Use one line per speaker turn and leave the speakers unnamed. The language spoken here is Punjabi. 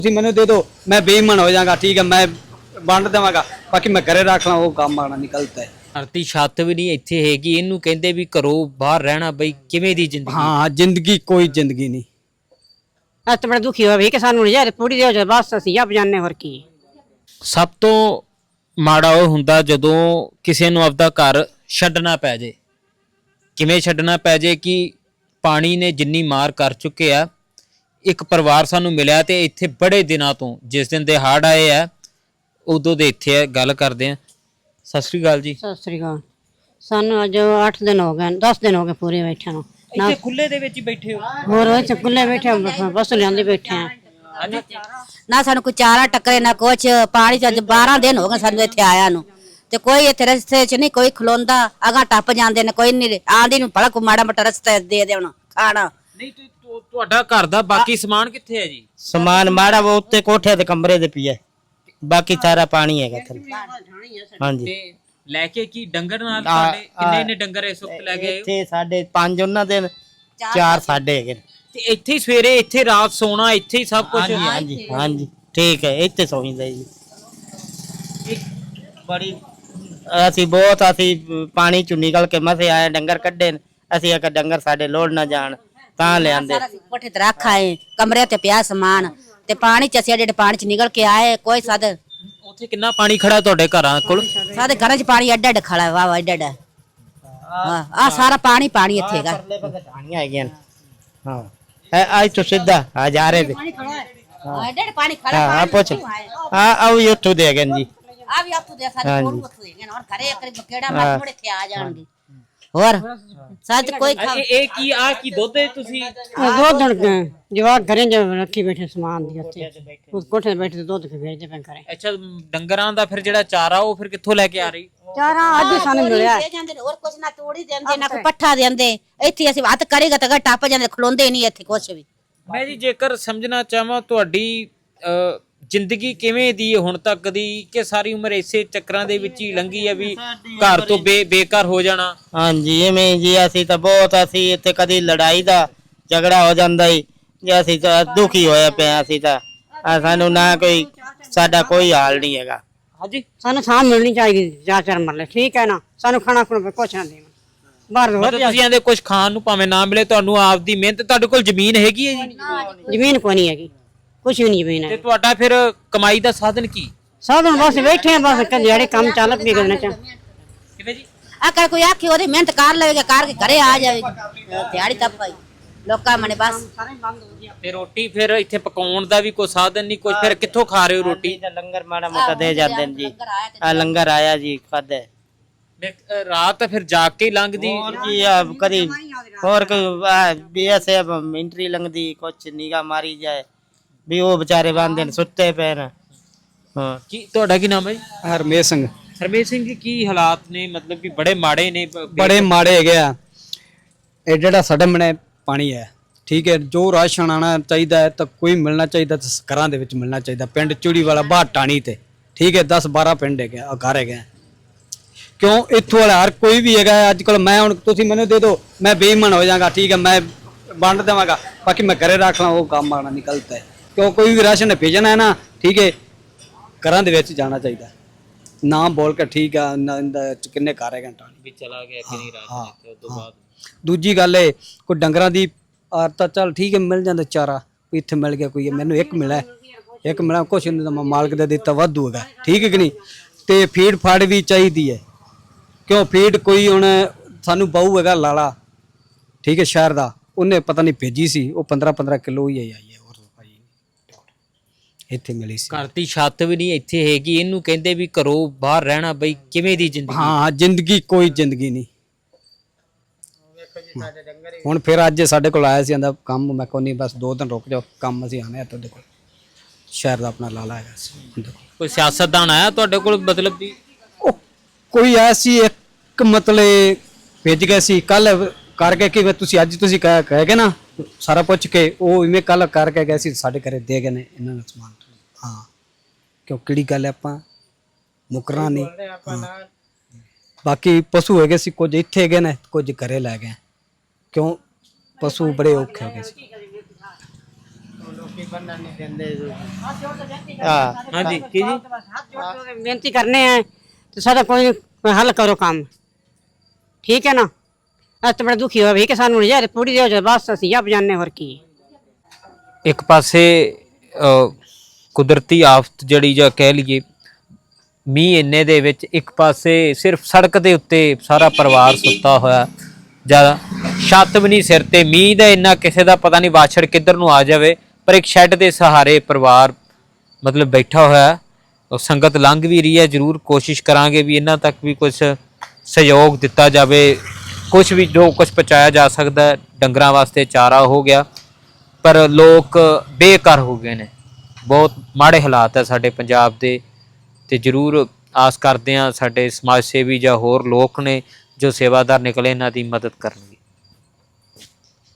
ਤੁਸੀਂ ਮੈਨੂੰ ਦੇ ਦਿਓ, ਮੈਂ ਬੇਈਮਾਨ ਹੋ ਜਾਵਾਂਗਾ, ਠੀਕ ਹੈ, ਮੈਂ ਵੰਡ ਦੇਵਾਂਗਾ, ਬਾਕੀ ਮੈਂ ਘਰੇ ਰੱਖ ਲਾਂ, ਉਹ ਕੰਮ ਆਣਾ ਨਿਕਲਦਾ ਹੈ।
ਧਰਤੀ ਛੱਤ ਵੀ ਨਹੀਂ ਇੱਥੇ ਹੈਗੀ, ਇਹਨੂੰ ਕਹਿੰਦੇ ਵੀ ਘਰੋਂ ਬਾਹਰ ਰਹਿਣਾ ਬਈ ਕਿਵੇਂ ਦੀ ਜ਼ਿੰਦਗੀ।
ਹਾਂ, ਜ਼ਿੰਦਗੀ ਕੋਈ ਜ਼ਿੰਦਗੀ ਨਹੀਂ।
ਅੱਜ ਤਾਂ ਬੜਾ ਦੁਖੀ ਹੋਇਆ ਵੀ ਕਿ ਸਾਨੂੰ ਨਜ਼ਾਰੇ ਪੂਰੀ ਦਿਓ ਜਾਂ ਬਸ ਅਸੀਂ ਆਪ ਜਾਣਦੇ ਹੋਰ ਕੀ।
ਸਭ ਤੋਂ ਮਾੜਾ ਉਹ ਹੁੰਦਾ ਜਦੋਂ ਕਿਸੇ ਨੂੰ ਆਪਦਾ ਘਰ ਛੱਡਣਾ ਪੈ ਜੇ। ਕਿਵੇਂ ਛੱਡਣਾ ਪੈ ਜੇ ਕਿ ਪਾਣੀ ਨੇ ਜਿੰਨੀ ਮਾਰ ਕਰ ਚੁੱਕੇ ਆ। ਇੱਕ ਪਰਿਵਾਰ ਸਾਨੂੰ ਮਿਲਿਆ ਤੇ ਇੱਥੇ ਬੜੇ ਦਿਨਾਂ ਤੋਂ, ਜਿਸ ਦਿਨ ਦੇ ਹੜ੍ਹ ਆਏ ਆ ਉਦੋਂ ਦੇ ਇੱਥੇ ਗੱਲ ਕਰਦੇ ਆ। ਸਤਿ ਸ੍ਰੀ ਅਕਾਲ ਜੀ।
ਸਤਿ ਸ੍ਰੀ ਅਕਾਲ। ਸਾਨੂੰ ਅੱਜ 8 ਦਿਨ ਹੋ ਗਏ, 10 ਦਿਨ ਹੋ ਗਏ ਪੂਰੇ ਬੈਠਿਆਂ ਨੂੰ।
ਇੱਥੇ ਖੁੱਲੇ ਦੇ ਵਿੱਚ ਹੀ ਬੈਠੇ ਹੋ?
ਹੋਰ ਇੱਥੇ ਖੁੱਲੇ ਬੈਠੇ ਬਸ ਲਿਆਂਦੇ ਬੈਠੇ ਆ।
ਨਾ ਸਾਨੂੰ ਕੋਈ ਚਾਰਾ ਟੱਕਰੇ ਨਾ ਕੁਛ। ਪਾਣੀ ਚ ਅੱਜ 12 ਦਿਨ ਹੋ ਗਏ ਸਾਨੂੰ ਇੱਥੇ ਆਇਆ ਨੂੰ, ਤੇ ਕੋਈ ਇੱਥੇ ਰਸਤੇ ਚ ਨਹੀਂ ਕੋਈ ਖਲੋਂਦਾ, ਅਗਾ ਟੱਪ ਜਾਂਦੇ ਨੇ, ਕੋਈ ਨਹੀਂ ਆਂਦੀ ਨੂੰ ਭਲਾ ਕੋ ਮਾੜਾ ਮੋਟਾ ਰਸਤਾ ਦੇ ਦੇਣ ਖਾਣਾ।
ਨਹੀਂ ਤੁਹਾਡਾ ਘਰ ਦਾ ਬਾਕੀ ਸਮਾਨ ਕਿੱਥੇ ਹੈ ਜੀ?
ਸਮਾਨ ਮਾੜਾ ਉਹ ਉੱਤੇ ਕੋਠੇ ਤੇ ਕਮਰੇ ਦੇ ਪਿਆ, ਬਾਕੀ ਸਾਰਾ ਪਾਣੀ ਹੈਗਾ ਥੱਲੇ। ਹਾਂਜੀ।
ਤੇ ਲੈ ਕੇ ਕੀ ਡੰਗਰ ਨਾਲ ਤੁਹਾਡੇ ਕਿੰਨੇ ਨੇ ਡੰਗਰ ਇਸ ਵਕਤ ਲੈ ਗਏ?
ਇੱਥੇ ਸਾਡੇ 5 ਉਹਨਾਂ ਦੇ 4 ਸਾਡੇ ਹੈਗੇ।
ਤੇ ਇੱਥੇ ਹੀ ਸਵੇਰੇ ਇੱਥੇ ਰਾਤ ਸੋਣਾ ਇੱਥੇ ਹੀ ਸਭ ਕੁਝ?
ਹਾਂਜੀ ਹਾਂਜੀ ਠੀਕ ਹੈ, ਇੱਥੇ ਸੌਂਦਾ ਜੀ। ਬੜੀ ਅਸੀਂ ਪਾਣੀ ਚੋਂ ਨਿਕਲ ਕੇ ਮਸੇ ਆਏ, ਡੰਗਰ ਕੱਢੇ, ਅਸੀਂ ਇੱਕ ਡੰਗਰ ਸਾਡੇ ਲੋੜ ਨਾ ਜਾਣ ਤਾਂ ਲਿਆਂਦੇ।
ਕੋਠੇ ਤੇ ਰੱਖ ਆਏ, ਕਮਰੇ ਤੇ ਪਿਆ ਸਮਾਨ, ਤੇ ਪਾਣੀ ਚ ਅਸੀਂ ਜਿਹੜੇ ਪਾਣੀ ਚ ਨਿਕਲ ਕੇ ਆਏ। ਕੋਈ ਸਾਦੇ
ਉੱਥੇ ਕਿੰਨਾ ਪਾਣੀ ਖੜਾ ਤੁਹਾਡੇ ਘਰਾਂ ਕੋਲ?
ਸਾਡੇ ਘਰਾਂ ਚ ਪਾਣੀ ਅੱਡ ਅੱਡ ਖੜਾ ਹੈ, ਵਾਹ ਅੱਡ ਅੱਡ। ਆ ਸਾਰਾ ਪਾਣੀ ਪਾਣੀ ਇੱਥੇ ਹੈਗਾ।
ਪਾਣੀ ਹੈਗੀਆਂ ਹਾਂ, ਅੱਜ ਤੋਂ ਸਿੱਧਾ ਆ ਜਾ ਰਹੇ ਤੇ
ਅੱਡ ਅੱਡ ਪਾਣੀ ਖੜਾ।
ਹਾਂ ਪੁੱਛ ਆਓ ਉੱਥੋਂ ਦੇ ਗਏ ਜੀ।
ਆ ਵੀ ਆਪੂ ਦੇ ਸਾਡੇ ਕੋਲ ਉੱਥੋਂ ਦੇ ਗਏ ਔਰ ਘਰੇ ਇੱਕ ਕਿਹੜਾ ਮਾਰ ਥੋੜੇ ਇੱਥੇ ਆ ਜਾਣਗੇ। ਹੋਰ ਸੱਚ ਕੋਈ
ਇਹ ਕੀ ਆ ਕੀ ਦੁੱਧ ਹੈ ਤੁਸੀਂ?
ਦੁੱਧ ਜਵਾਕ ਘਰੇ ਰੱਖੀ ਬੈਠੇ ਸਮਾਨ ਦੀ ਉੱਥੇ ਉਸ ਕੋਠੇ ਤੇ ਬੈਠੇ ਦੁੱਧ ਕੇ ਵੇਚਦੇ ਪਏ ਘਰੇ।
ਅੱਛਾ, ਡੰਗਰਾਂ ਦਾ ਫਿਰ ਜਿਹੜਾ ਚਾਰਾ ਉਹ ਫਿਰ ਕਿੱਥੋਂ ਲੈ ਕੇ ਆ ਰਹੀ?
ਚਾਰਾ ਅੱਜ ਸਾਨੂੰ ਮਿਲਿਆ
ਜਾਂਦੇ ਨੇ, ਹੋਰ ਕੁਛ ਨਾ ਤੋੜੀ ਦਿੰਦੇ ਨਾ ਕੋਈ ਪੱਠਾ ਦਿੰਦੇ। ਇੱਥੇ ਅਸੀਂ ਹੱਥ ਕਰੇਗਾ ਤਾਂ ਟੱਪ ਜਾਂਦੇ, ਖਲੋਂਦੇ ਨਹੀਂ ਇੱਥੇ ਕੁਛ ਵੀ।
ਮੈਂ ਜੀ ਜੇਕਰ ਸਮਝਣਾ ਚਾਹਾਂ ਤੁਹਾਡੀ ਜ਼ਿੰਦਗੀ ਕਿਵੇਂ ਦੀ ਹੁਣ ਤੱਕ ਦੀ, ਕਿ ਸਾਰੀ ਉਮਰ ਇਸੇ ਚੱਕਰਾਂ ਦੇ ਵਿੱਚ ਹੀ ਲੰਘੀ ਹੈ ਵੀ ਘਰ ਤੋਂ ਬੇਕਾਰ ਹੋ ਜਾਣਾ?
ਹਾਂਜੀ ਇਵੇਂ ਜੀ, ਅਸੀਂ ਤਾਂ ਬਹੁਤ ਅਸੀਂ ਇੱਥੇ ਕਦੀ ਲੜਾਈ ਦਾ ਝਗੜਾ ਹੋ ਜਾਂਦਾ ਹੀ ਜੇ ਅਸੀਂ ਤਾਂ ਦੁਖੀ ਹੋਇਆ ਪਿਆ। ਅਸੀਂ ਤਾਂ ਸਾਨੂੰ ਨਾ ਕੋਈ ਸਾਡਾ ਕੋਈ ਹਾਲ ਨਹੀਂ ਹੈਗਾ।
ਹਾਂਜੀ,
ਸਾਨੂੰ ਥਾਂ ਮਿਲਣੀ ਚਾਹੀਦੀ 4-4 ਮਰਲੇ, ਠੀਕ ਹੈ ਨਾ। ਸਾਨੂੰ ਖਾਣਾ ਖੁਣਾ ਕੁਛ ਨਾ ਦੇਣ ਬਾਹਰ।
ਤੁਸੀਂ ਆਂਦੇ ਕੁਝ ਖਾਣ ਨੂੰ ਭਾਵੇਂ ਨਾ ਮਿਲੇ, ਤੁਹਾਨੂੰ ਆਪਦੀ ਮਿਹਨਤ। ਤੁਹਾਡੇ ਕੋਲ ਜ਼ਮੀਨ ਹੈਗੀ ਹੈ ਜੀ?
ਜ਼ਮੀਨ ਕੋਈ ਨਹੀਂ ਹੈਗੀ, ਕੁਛ ਵੀ ਨਹੀਂ ਜ਼ਮੀਨ ਹੈ।
ਤੇ ਤੁਹਾਡਾ ਫਿਰ ਕਮਾਈ ਦਾ ਸਾਧਨ ਕੀ?
ਸਾਧਨ ਬਸ ਬੈਠੇ ਆ, ਬਸ ਜਿਹੜੇ ਕੰਮ ਚੱਲ ਪਏ ਕਰਨਾ ਚਾਹ।
ਕਿਵੇਂ ਜੀ?
ਆ ਕੋਈ ਆਖੀ ਉਹਦੀ ਮਿਹਨਤ ਕਰ ਲਵੇਗਾ, ਕਰਕੇ ਘਰੇ ਆ ਜਾਵੇਗੀ, ਦਿਹਾੜੀ ਤਾਂ ਪਾਈ ਲੋਕਾਂ ਮਨੇ ਬਸ।
ਤੇ ਰੋਟੀ ਫਿਰ ਇੱਥੇ ਪਕਾਉਣ ਦਾ ਵੀ ਕੋਈ ਸਾਧਨ ਨਹੀਂ ਕੁਝ, ਫਿਰ ਕਿੱਥੋਂ ਖਾ ਰਹੇ ਹੋ ਰੋਟੀ?
ਲੰਗਰ ਮਾੜਾ ਮੋਟਾ ਦੇ ਜਾਂਦੇ ਨੇ ਜੀ। ਆ ਲੰਗਰ ਆਇਆ ਜੀ, ਖਾਦੇ।
ਰਾਤ ਫਿਰ ਜਾਗ ਕੇ ਲੰਘਦੀ
ਜੀ ਕਦੀ ਹੋਰ ਕੋਈ ਬੀਐਸਐਫ ਮਿੰਟਰੀ ਲੰਘਦੀ, ਕੁਛ ਨਿਗਾ ਮਾਰੀ ਜਾਏ ਵੀ ਉਹ ਵਿਚਾਰੇ ਬੰਦੇ ਨੇ ਸੁੱਤੇ ਪਏ ਨੇ। ਹਾਂ।
ਕੀ ਤੁਹਾਡਾ ਕੀ ਨਾਮ ਹੈ ਜੀ?
ਹਰਮੇਸ਼ ਸਿੰਘ।
ਹਰਮੇਸ਼ ਸਿੰਘ ਜੀ, ਕੀ ਹਾਲਾਤ ਨੇ? ਮਤਲਬ ਕਿ ਬੜੇ ਮਾੜੇ ਨੇ?
ਬੜੇ ਮਾੜੇ ਹੈਗੇ ਆ। ਇਹ ਜਿਹੜਾ ਸਾਡੇ ਮਨੇ ਪਾਣੀ ਹੈ, ਠੀਕ ਹੈ, ਜੋ ਰਾਸ਼ਨ ਆਣਾ ਚਾਹੀਦਾ ਹੈ ਤਾਂ ਕੋਈ ਮਿਲਣਾ ਚਾਹੀਦਾ ਤਾਂ ਘਰਾਂ ਦੇ ਵਿੱਚ ਮਿਲਣਾ ਚਾਹੀਦਾ। ਪਿੰਡ ਚੂੜੀ ਵਾਲਾ ਬਾਹਰ ਟਾਣੀ ਤੇ, ਠੀਕ ਹੈ, 10-12 ਪਿੰਡ ਹੈਗੇ ਆ, ਘਰ ਹੈਗੇ। ਕਿਉਂ ਇੱਥੋਂ ਵਾਲਾ ਹਰ ਕੋਈ ਵੀ ਹੈਗਾ ਅੱਜ ਕੱਲ। ਮੈਂ ਹੁਣ ਤੁਸੀਂ ਮੈਨੂੰ ਦੇ ਦਿਓ, ਮੈਂ ਬੇਈਮਾਨ ਹੋ ਜਾਵਾਂਗਾ, ਠੀਕ ਹੈ, ਮੈਂ ਵੰਡ ਦੇਵਾਂਗਾ, ਬਾਕੀ ਮੈਂ ਘਰੇ ਰੱਖ ਲਾਂ, ਉਹ ਕੰਮ ਆਣਾ ਨਿਕਲਦਾ ਹੈ। ਕਿਉਂ ਕੋਈ ਵੀ ਰਾਸ਼ਨ ਭੇਜਣਾ ਹੈ ਨਾ, ਠੀਕ ਹੈ, ਘਰਾਂ ਦੇ ਵਿੱਚ ਜਾਣਾ ਚਾਹੀਦਾ। ਨਾ ਬੋਲ ਕੇ, ਠੀਕ ਆ, ਕਿੰਨੇ ਘਰ ਹੈਗੇ ਟਾਣੀ
ਵੀ ਚਲਾ ਗਿਆ ਕਿ ਨਹੀਂ ਰਾਸ਼ਨ ਉਸ ਤੋਂ ਬਾਅਦ।
ਦੂਜੀ ਗੱਲ ਏ, ਕੋਈ ਡੰਗਰਾਂ ਦੀ ਤਾਂ ਚੱਲ ਠੀਕ ਹੈ, ਮਿਲ ਜਾਂਦਾ ਚਾਰਾ, ਇੱਥੇ ਮਿਲ ਗਿਆ ਕੋਈ, ਮੈਨੂੰ ਇੱਕ ਮਿਲਿਆ ਕੁਛ ਨਹੀਂ ਤਾਂ ਮਾਲਕ ਦਾ ਦਿੱਤਾ ਵਾਧੂ ਹੈਗਾ, ਠੀਕ ਹੈ ਕਿ ਨਹੀਂ। ਤੇ ਫੀਡ ਫਾੜ ਵੀ ਚਾਹੀਦੀ ਹੈ, ਕਿਉਂ ਫੀਡ ਕੋਈ ਹੁਣ ਸਾਨੂੰ ਬਾਹੂ ਹੈਗਾ ਲਾਲਾ, ਠੀਕ ਹੈ, ਸ਼ਹਿਰ ਦਾ, ਉਹਨੇ ਪਤਾ ਨਹੀਂ ਭੇਜੀ ਸੀ, ਉਹ 15-15 ਕਿਲੋ ਹੀ ਆਈ ਹੈ, ਹੋਰ ਇੱਥੇ ਮਿਲੀ ਸੀ।
ਘਰ ਦੀ ਛੱਤ ਵੀ ਨਹੀਂ ਇੱਥੇ ਹੈਗੀ, ਇਹਨੂੰ ਕਹਿੰਦੇ ਵੀ ਘਰੋਂ ਬਾਹਰ ਰਹਿਣਾ ਬਈ ਕਿਵੇਂ ਦੀ ਜ਼ਿੰਦਗੀ।
ਹਾਂ, ਜ਼ਿੰਦਗੀ ਕੋਈ ਜ਼ਿੰਦਗੀ ਨਹੀਂ। ਹੁਣ ਫਿਰ ਅੱਜ ਸਾਡੇ ਕੋਲ ਆਇਆ ਸੀ, ਆਂਦਾ ਕੰਮ, ਮੈਂ ਕੋਈ ਨਹੀਂ ਬਸ 2 ਦਿਨ ਰੁਕ ਜਾਓ, ਕੰਮ ਅਸੀਂ ਆਨੇ ਆ ਤੁਹਾਡੇ ਕੋਲ। ਸ਼ਹਿਰ ਦਾ ਆਪਣਾ ਲਾਲਾ ਹੈਗਾ ਸੀ।
ਕੋਈ ਸਿਆਸਤਦਾਨ ਆਇਆ ਤੁਹਾਡੇ ਕੋਲ? ਮਤਲਬ ਵੀ
ਉਹ ਕੋਈ ਆਇਆ ਸੀ, ਇੱਕ ਮਤਲਬ ਭੇਜ ਗਏ ਸੀ ਕੱਲ ਕਰਕੇ ਕਿ ਤੁਸੀਂ ਅੱਜ ਤੁਸੀਂ ਕਹਿ ਗਏ ਨਾ ਸਾਰਾ ਪੁੱਛ ਕੇ, ਉਹ ਇਵੇਂ ਕੱਲ ਕਰਕੇ ਗਏ ਸੀ, ਸਾਡੇ ਘਰੇ ਦੇ ਗਏ ਨੇ ਇਹਨਾਂ ਨੂੰ ਸਮਾਨ। ਹਾਂ, ਕਿਉਂ ਕਿਹੜੀ ਗੱਲ ਹੈ, ਆਪਾਂ ਮੁਕਰਨਾ ਨਹੀਂ। ਬਾਕੀ ਪਸ਼ੂ ਹੈਗੇ ਸੀ, ਕੁਝ ਇੱਥੇ ਹੈਗੇ ਨੇ, ਕੁਝ ਘਰੇ ਲੈ ਗਏ। ਕਿਉਂ ਪਸ਼ੂ ਬੜੇ ਔਖੇ ਹੋ ਗਏ ਸੀ।
ਰੋਟੀ ਬੰਨਣ ਨਹੀਂ ਦਿੰਦੇ ਹਾਂ
ਹਾਂਜੀ ਕੀ ਜੀ
ਬੇਨਤੀ ਕਰਨੇ ਆ ਤੇ ਸਾਡਾ ਕੋਈ ਹੱਲ ਕਰੋ ਕੰਮ ਠੀਕ ਹੈ ਨਾ ਅੱਜ ਤਾਂ ਬੜਾ ਦੁਖੀ ਹੋਇਆ ਵੀ ਕਿ ਸਾਨੂੰ ਨਜ਼ਾਰੇ ਪੂਰੀ ਦਿਓ ਜੇ ਬਸ ਅਸੀਂ ਆਪ ਜਾਣੇ ਹੋਰ ਕੀ
ਇੱਕ ਪਾਸੇ ਕੁਦਰਤੀ ਆਫਤ ਜਿਹੜੀ ਜਾਂ ਕਹਿ ਲਈਏ ਮੀਂਹ ਇੰਨੇ ਦੇ ਵਿੱਚ ਇੱਕ ਪਾਸੇ ਸਿਰਫ ਸੜਕ ਦੇ ਉੱਤੇ ਸਾਰਾ ਪਰਿਵਾਰ ਸੁੱਤਾ ਹੋਇਆ ਜਾਂ ਛੱਤ ਵੀ ਨਹੀਂ ਸਿਰ ਤੇ ਮੀਂਹ ਦਾ ਇੰਨਾ ਕਿਸੇ ਦਾ ਪਤਾ ਨਹੀਂ ਵਾਛੜ ਕਿੱਧਰ ਨੂੰ ਆ ਜਾਵੇ ਪਰ ਇੱਕ ਸ਼ੈੱਡ ਦੇ ਸਹਾਰੇ ਪਰਿਵਾਰ ਮਤਲਬ ਬੈਠਾ ਹੋਇਆ ਉਹ ਸੰਗਤ ਲੰਘ ਵੀ ਰਹੀ ਹੈ ਜ਼ਰੂਰ ਕੋਸ਼ਿਸ਼ ਕਰਾਂਗੇ ਵੀ ਇਹਨਾਂ ਤੱਕ ਵੀ ਕੁਝ ਸਹਿਯੋਗ ਦਿੱਤਾ ਜਾਵੇ ਕੁਝ ਵੀ ਜੋ ਕੁਝ ਪਹੁੰਚਾਇਆ ਜਾ ਸਕਦਾ ਡੰਗਰਾਂ ਵਾਸਤੇ ਚਾਰਾ ਹੋ ਗਿਆ ਪਰ ਲੋਕ ਬੇਘਰ ਹੋ ਗਏ ਨੇ ਬਹੁਤ ਮਾੜੇ ਹਾਲਾਤ ਹੈ ਸਾਡੇ ਪੰਜਾਬ ਦੇ ਤੇ ਜ਼ਰੂਰ ਆਸ ਕਰਦੇ ਹਾਂ ਸਾਡੇ ਸਮਾਜ ਸੇਵੀ ਜਾਂ ਹੋਰ ਲੋਕ ਨੇ ਜੋ ਸੇਵਾਦਾਰ ਨਿਕਲੇ ਇਹਨਾਂ ਦੀ ਮਦਦ ਕਰਨਗੇ